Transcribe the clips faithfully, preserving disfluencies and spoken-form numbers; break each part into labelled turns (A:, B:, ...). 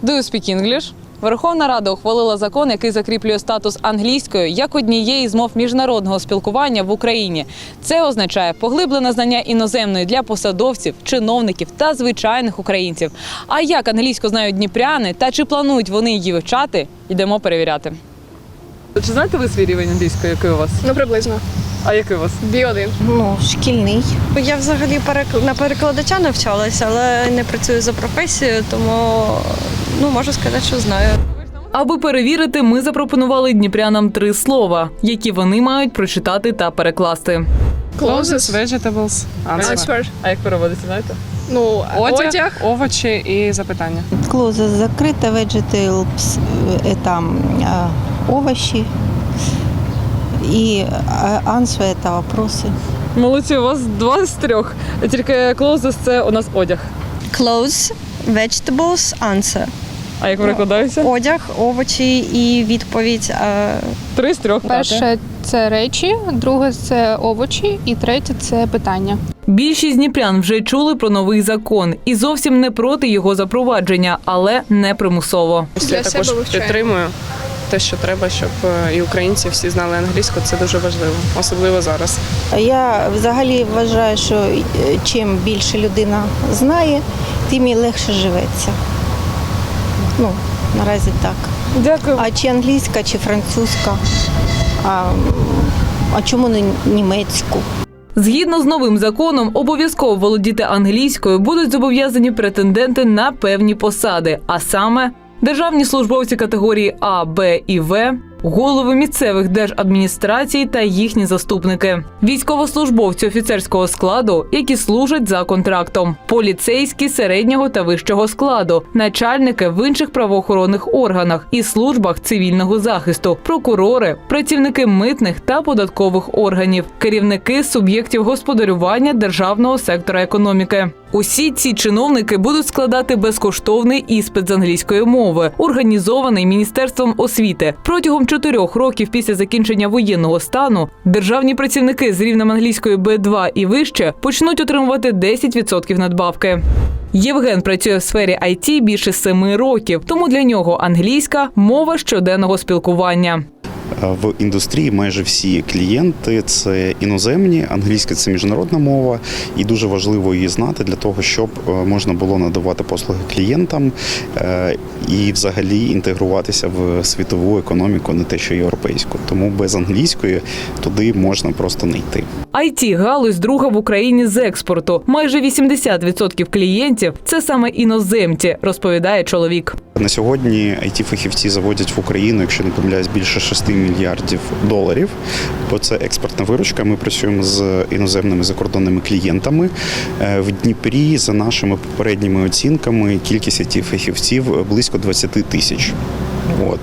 A: Do you speak English? Верховна Рада ухвалила закон, який закріплює статус англійської як однієї з мов міжнародного спілкування в Україні. Це означає поглиблене знання іноземної для посадовців, чиновників та звичайних українців. А як англійську знають дніпряни та чи планують вони її вивчати, йдемо перевіряти. Чи знаєте ви свій рівень англійської, який у вас?
B: Ну, приблизно.
A: А який у вас?
B: бі один.
C: Ну, шкільний.
B: Я взагалі перек- на перекладача навчалася, але не працюю за професією, тому ну, можу сказати, що знаю.
A: Аби перевірити, ми запропонували дніпрянам три слова, які вони мають прочитати та перекласти.
D: Clothes, vegetables, answer.
B: Answer.
A: А як переводиться, знаєте?
B: Ну,
D: Одяг,
B: одяг.
D: овочі і запитання.
C: Клоза закрита, vegetables – это а, овощи. И answer – это вопросы.
A: Молодці, у вас два з трьох. Тільки clothes – це у нас одяг.
B: Clothes, vegetables, answer.
A: А як перекладається?
B: Одяг, овочі і відповідь. А...
A: Три з трьох.
E: Перше – це речі, друге – це овочі і третє – це питання.
A: Більшість дніпрян вже чули про новий закон і зовсім не проти його запровадження, але не примусово.
B: Для
D: Я також
B: себе вивчаю.
D: підтримую те, що треба, щоб і українці всі знали англійську. Це дуже важливо, особливо зараз.
C: Я взагалі вважаю, що чим більше людина знає, тим і легше живеться. Ну, наразі так.
A: Дякую.
C: А чи англійська, чи французька, а, а чому не німецьку?
A: Згідно з новим законом, обов'язково володіти англійською будуть зобов'язані претенденти на певні посади, а саме державні службовці категорії А, Б і В, голови місцевих держадміністрацій та їхні заступники, військовослужбовці офіцерського складу, які служать за контрактом, поліцейські середнього та вищого складу, начальники в інших правоохоронних органах і службах цивільного захисту, прокурори, працівники митних та податкових органів, керівники суб'єктів господарювання державного сектора економіки. Усі ці чиновники будуть складати безкоштовний іспит з англійської мови, організований Міністерством освіти. Протягом чотирьох років після закінчення воєнного стану державні працівники з рівнем англійської Б два і вище почнуть отримувати десять відсотків надбавки. Євген працює в сфері ай ті більше семи років, тому для нього англійська – мова щоденного спілкування.
F: В індустрії майже всі клієнти – це іноземні, англійська – це міжнародна мова, і дуже важливо її знати для того, щоб можна було надавати послуги клієнтам і взагалі інтегруватися в світову економіку, не те що європейську. Тому без англійської туди можна просто не йти.
A: ай ті-галузь друга в Україні з експорту. Майже вісімдесят відсотків клієнтів – це саме іноземці, розповідає чоловік.
F: На сьогодні ай ті-фахівці заводять в Україну, якщо не помиляюсь, більше шести мільярдів доларів, бо це експортна виручка. Ми працюємо з іноземними закордонними клієнтами. В Дніпрі, за нашими попередніми оцінками, кількість ай ті-фахівців близько двадцять тисяч. От.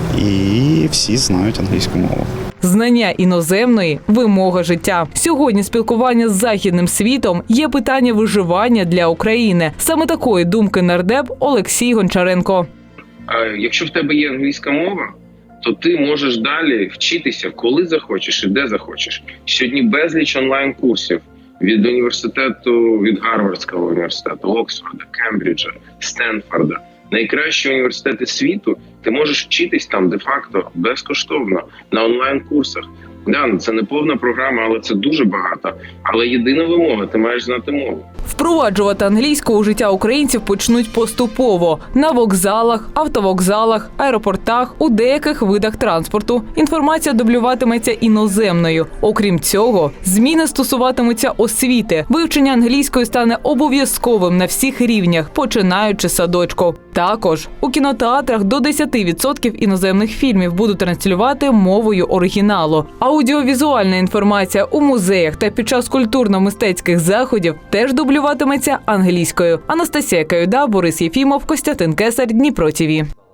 F: І всі знають англійську мову.
A: Знання іноземної – вимога життя. Сьогодні спілкування з західним світом є питання виживання для України. Саме такої думки нардеп Олексій Гончаренко.
G: Якщо в тебе є англійська мова, то ти можеш далі вчитися, коли захочеш і де захочеш. Сьогодні безліч онлайн-курсів від університету, від Гарвардського університету, Оксфорда, Кембриджа, Стенфорда. Найкращі університети світу, ти можеш вчитись там де-факто безкоштовно на онлайн-курсах. Да, це не повна програма, але це дуже багато. Але єдина вимога – ти маєш знати мову.
A: Впроваджувати англійську у життя українців почнуть поступово. На вокзалах, автовокзалах, аеропортах, у деяких видах транспорту. Інформація дублюватиметься іноземною. Окрім цього, зміни стосуватимуться освіти. Вивчення англійської стане обов'язковим на всіх рівнях, починаючи з садочку. Також у кінотеатрах до десять відсотків іноземних фільмів будуть транслювати мовою оригіналу. Аудіовізуальна інформація у музеях та під час культурно-мистецьких заходів теж дублюватиметься англійською. Анастасія Каюда, Борис Єфімов, Костянтин Кесар, Дніпро ТІВІ.